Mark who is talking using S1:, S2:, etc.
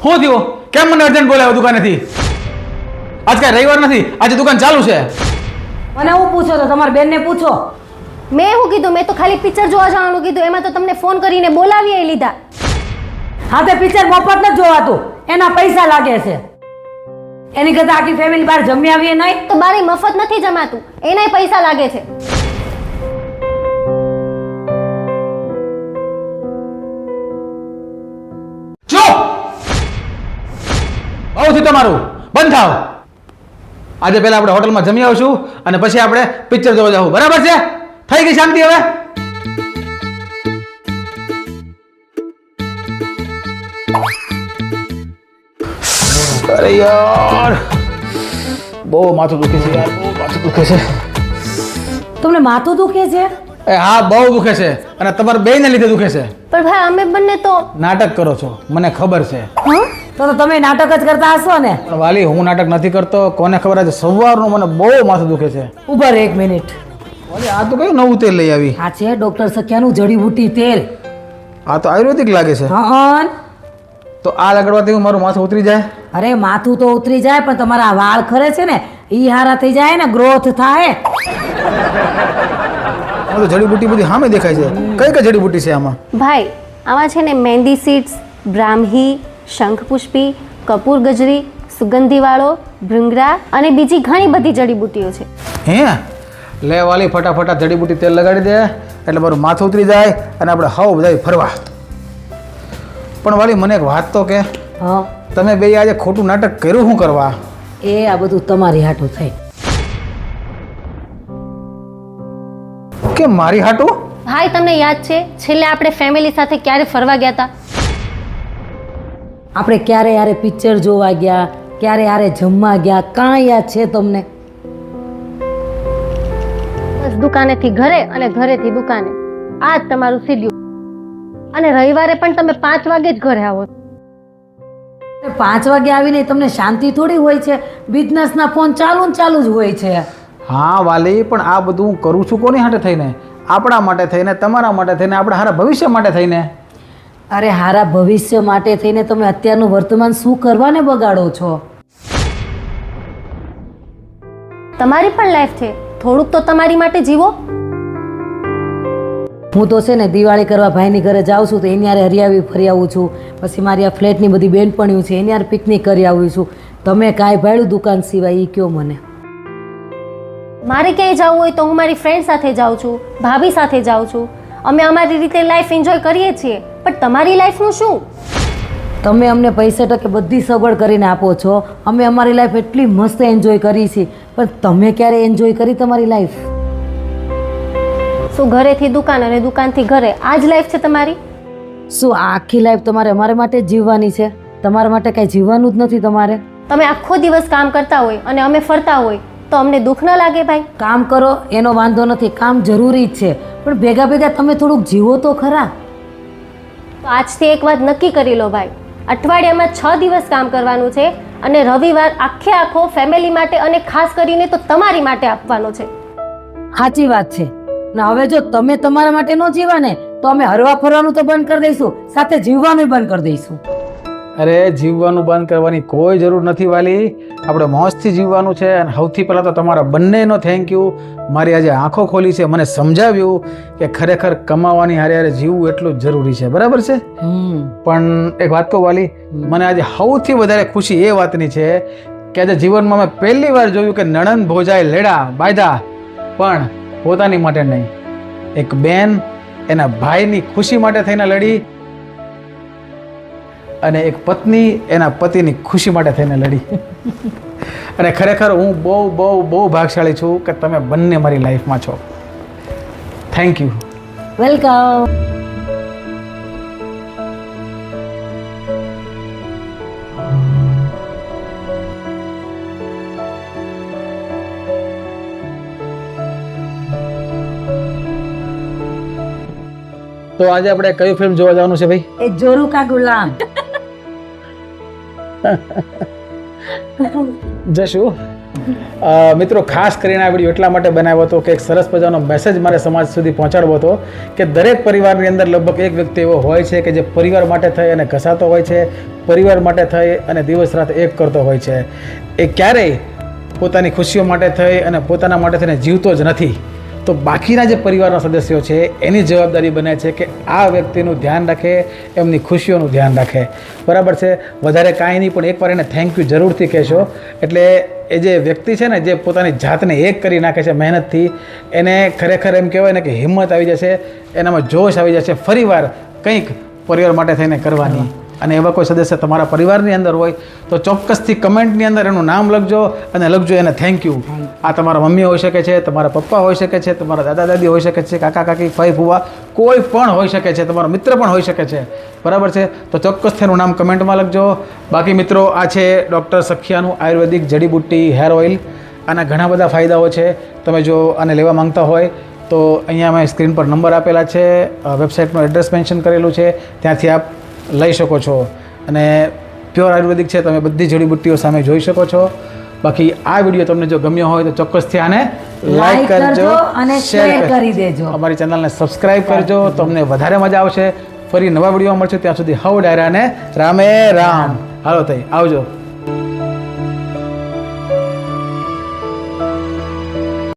S1: શું થયું? કેમ મને અર્જન્ટ બોલાવ્યો દુકાનેથી? આજ કાંઈ રવિવાર નથી, આજે દુકાન ચાલુ છે.
S2: મને હું પૂછો તો તમારી બેનને પૂછો.
S3: મેં શું કીધું? મેં તો ખાલી પિક્ચર જોવા જવાનું કીધું. એમાં તો તમને ફોન કરીને બોલાવી લીધા.
S2: હા તે પિક્ચર મફત નથી જોવાતું, એના પૈસા લાગે છે. એની કરતા આખી ફેમિલી બહાર જમી આવીએ નહીં.
S3: તો બારે મફત નથી જમાતું, એનાય પૈસા લાગે છે.
S1: ચૂપ! બહુ થયું તમારું, બંધ થાવ. આજે પહેલા આપણે હોટલમાં જમી આવશું અને પછી આપણે પિક્ચર જોવા જવું, બરાબર છે? થઈ ગઈ શાંતિ હવે? અરે યાર, બહુ માથું દુખે છે યાર, બહુ માથું દુખે છે.
S2: તમને માથું દુખે છે?
S1: એ હા, બહુ દુખે છે અને તમારા બેયને લીધે દુખે છે.
S3: પણ ભાઈ અમે બંને તો
S1: નાટક કરો છો, મને ખબર છે.
S2: તો તમે નાટક જ કરતા હશો ને?
S1: પણ વાલી, હું નાટક નથી કરતો. કોને ખબર, આજે સવારનું મને બહુ માથું દુખે છે.
S2: ઉભા રહો 1 મિનિટ.
S1: વાલી, આ તો કયું નવું તેલ લઈ આવી?
S2: આ છે ડોક્ટર સખ્યાનું જડીબુટી તેલ.
S1: આ તો આયુર્વેદિક લાગે છે.
S2: હા.
S1: તો આ લગાડવાથી મારું માથું ઉતરી જાય?
S2: અરે માથું તો ઉતરી જાય, પણ તમારા વાળ ખરે છે ને ઈ હારા થઈ જાય ને, ગ્રોથ થાય.
S1: આ તો જડીબુટી બધી સામે દેખાય છે. કઈ કઈ જડીબુટી છે આમાં?
S3: ભાઈ આમાં છે ને મહેંદી સીડ્સ, બ્રાહ્મી, શંખપુષ્પી, કપૂર ગજરી, સુગંધીવાળો, ભૃંગરા અને બીજી ઘણી બધી જડીબુટીઓ છે.
S1: હે લે વાલી, ફટાફટ જડીબુટી તેલ લગાડી દે એટલે મારું માથું ઉતરી જાય અને આપણે હાવ બધા ફરવા. પણ વાલી, મને એક વાત તો કે,
S2: હા.
S1: તમે બે આજે ખોટું નાટક કર્યું શું કરવા?
S2: એ આ બધું તમારી હાટું થઈ.
S1: કે મારી હાટું?
S3: ભાઈ તમને યાદ છે છેલ્લે આપણે ફેમિલી સાથે ક્યારે ફરવા ગયા હતા?
S2: આપણે ક્યારે યારે પિક્ચર જોવા ગયા, ક્યારે યારે જમવા ગયા, કાંઈ યાદ છે તમને?
S3: બસ દુકાનેથી ઘરે અને ઘરેથી દુકાને, આ જ તમારું શેડ્યુલ. અને રવિવારે પણ તમે 5 વાગે જ ઘરે આવો.
S2: 5 વાગે આવીને તમને શાંતિ થોડી હોય છે? બિઝનેસના ફોન ચાલુ ને ચાલુ જ હોય છે.
S1: હા વાલી, પણ આ બધું હું કરું છું કોની હાટે થઈને? આપણા માટે થઈને, તમારા માટે થઈને, આપણા સારા ભવિષ્ય માટે થઈને.
S2: અરે હારા ભવિષ્ય માટે થઈને તમે અત્યારનું વર્તમાન શું કરવાને બગાડો છો?
S3: તમારી પણ લાઈફ છે, થોડુંક તો તમારી માટે જીવો.
S2: હું તો છે ને દિવાળી કરવા ભાઈની ઘરે જાઉં છું તો એની યારે હરિયાવી ફરી આવું છું. પછી મારી આ ફ્લેટની બધી બેનપણીઓ છે એની યારે પિકનિક કરી આવું છું. તમે કાંઈ ભાડ્યું દુકાન સિવાય એ કયો મને?
S3: મારે ક્યાંય જવું હોય તો હું મારી ફ્રેન્ડ સાથે જાઉં છું, ભાભી સાથે જાઉં છું. અમે અમારી રીતે લાઈફ એન્જોય કરીએ છીએ, પણ તમારી લાઈફનું શું?
S2: તમે અમને પૈસા ટકે બધી સગવડ કરીને આપો છો, અમે અમારી લાઈફ એટલી મસ્ત એન્જોય કરી છે, પણ તમે ક્યારે એન્જોય કરી તમારી લાઈફ?
S3: શું ઘરેથી દુકાન અને દુકાનથી ઘરે આ જ લાઈફ છે તમારી?
S2: શું આ આખી લાઈફ તમારે અમારા માટે જ જીવવાની છે? તમારા માટે કાંઈ જીવવાનું જ નથી તમારે?
S3: તમે આખો દિવસ કામ કરતા હોય અને અમે ફરતા હોય તો અમને દુઃખ ન લાગે ભાઈ?
S2: કામ કરો એનો વાંધો નથી, કામ જરૂરી જ છે, પણ ભેગા ભેગા તમે થોડુંક જીવો તો ખરા.
S3: તો આજથી એક વાત નક્કી કરી લો ભાઈ, અઠવાડિયામાં 6 દિવસ કામ કરવાનું છે અને રવિવાર આખે આખો ફેમિલી માટે અને ખાસ કરીને તો તમારી માટે આપવાનો છે.
S2: સાચી વાત છે ને. હવે જો તમે તમારા માટે ન જીવા ને તો અમે હરવા ફરવાનું તો બંધ કરી દઈશું, સાથે જીવવાનું બંધ કરી દઈશું.
S1: અરે જીવવાનું બંધ કરવાની કોઈ જરૂર નથી વાલી, આપણે મોજથી જીવવાનું છે. અને સૌથી પહેલાં તો તમારા બંનેનો થેન્ક યુ. મારી આજે આંખો ખોલી છે, મને સમજાવ્યું કે ખરેખર કમાવાની હારે હારે જીવવું એટલું જ જરૂરી છે, બરાબર છે? પણ એક વાત કહું વાલી, મને આજે સૌથી વધારે ખુશી એ વાતની છે કે આજે જીવનમાં મેં પહેલી વાર જોયું કે નણંદ ભોજાએ લેડા બાંધ્યા, પણ પોતાની માટે નહીં. એક બેન એના ભાઈની ખુશી માટે થઈને લડી અને એક પત્ની એના પતિની ખુશી માટે થઈને લડી. અને ખરેખર હું બહુ બહુ બહુ ભાગશાળી છું કે તમે બંને મારી લાઈફમાં છો. Thank you.
S2: વેલકમ.
S1: તો આજે આપણે કઈ ફિલ્મ જોવા જવાનું છે ભાઈ?
S2: એ જોરુ કા ગુલામ.
S1: જશું. મિત્રો, ખાસ કરીને આ વિડીયો એટલા માટે બનાવ્યો હતો કે એક સરસ મજાનો મેસેજ મારે સમાજ સુધી પહોંચાડવો હતો કે દરેક પરિવારની અંદર લગભગ એક વ્યક્તિ એવો હોય છે કે જે પરિવાર માટે થઈ અને ઘસાતો હોય છે, પરિવાર માટે થઈ અને દિવસ રાત એક કરતો હોય છે એ ક્યારેય પોતાની ખુશીઓ માટે થઈ અને પોતાના માટે થઈને જીવતો જ નથી. તો બાકીના જે પરિવારના સદસ્યો છે એની જવાબદારી બને છે કે આ વ્યક્તિનું ધ્યાન રાખે, એમની ખુશીઓનું ધ્યાન રાખે. બરાબર છે? વધારે કાંઈ નહીં, પણ એકવાર એને થેન્ક યુ જરૂરથી કહેશો. એટલે એ જે વ્યક્તિ છે ને, જે પોતાની જાતને એક કરી નાખે છે મહેનતથી, એને ખરેખર એમ કહેવાય ને કે હિંમત આવી જશે, એનામાં જોશ આવી જશે ફરીવાર કંઈક પરિવાર માટે થઈને કરવાની. અને એવા કોઈ સદસ્ય તમારા પરિવારની અંદર હોય તો ચોક્કસથી કમેન્ટની અંદર એનું નામ લખજો અને લખજો એને થેન્ક યુ. આ તમારા મમ્મી હોઈ શકે છે, તમારા પપ્પા હોઈ શકે છે, તમારા દાદા દાદી હોઈ શકે છે, કાકા કાકી, ફઈ ફુવા, કોઈ પણ હોઈ શકે છે, તમારો મિત્ર પણ હોઈ શકે છે. બરાબર છે? તો ચોક્કસથી એનું નામ કમેન્ટમાં લખજો. બાકી મિત્રો, આ છે ડૉક્ટર સખિયાનું આયુર્વેદિક જડીબુટ્ટી હેર ઓઇલ. આના ઘણા બધા ફાયદાઓ છે. તમે જો આને લેવા માંગતા હોય તો અહીંયા મેં સ્ક્રીન પર નંબર આપેલા છે, વેબસાઇટનું એડ્રેસ મેન્શન કરેલું છે, ત્યાંથી આપ લઈ શકો છો. અને પ્યોર આયુર્વેદિક છે, તમે બધી જડીબુટ્ટીઓ સામે જોઈ શકો છો. બાકી આ વિડીયો તમને જો ગમ્યો હોય તો ચોક્કસથી આને લાઈક કરજો
S2: અને શેર કરી દેજો.
S1: અમારી ચેનલને સબસ્ક્રાઇબ કરજો, તો અમને વધારે મજા આવશે. ફરી નવા વિડીયો મળશે, ત્યાં સુધી હવ ડાયરાને રામે રામ. હાલો તઈ આવજો.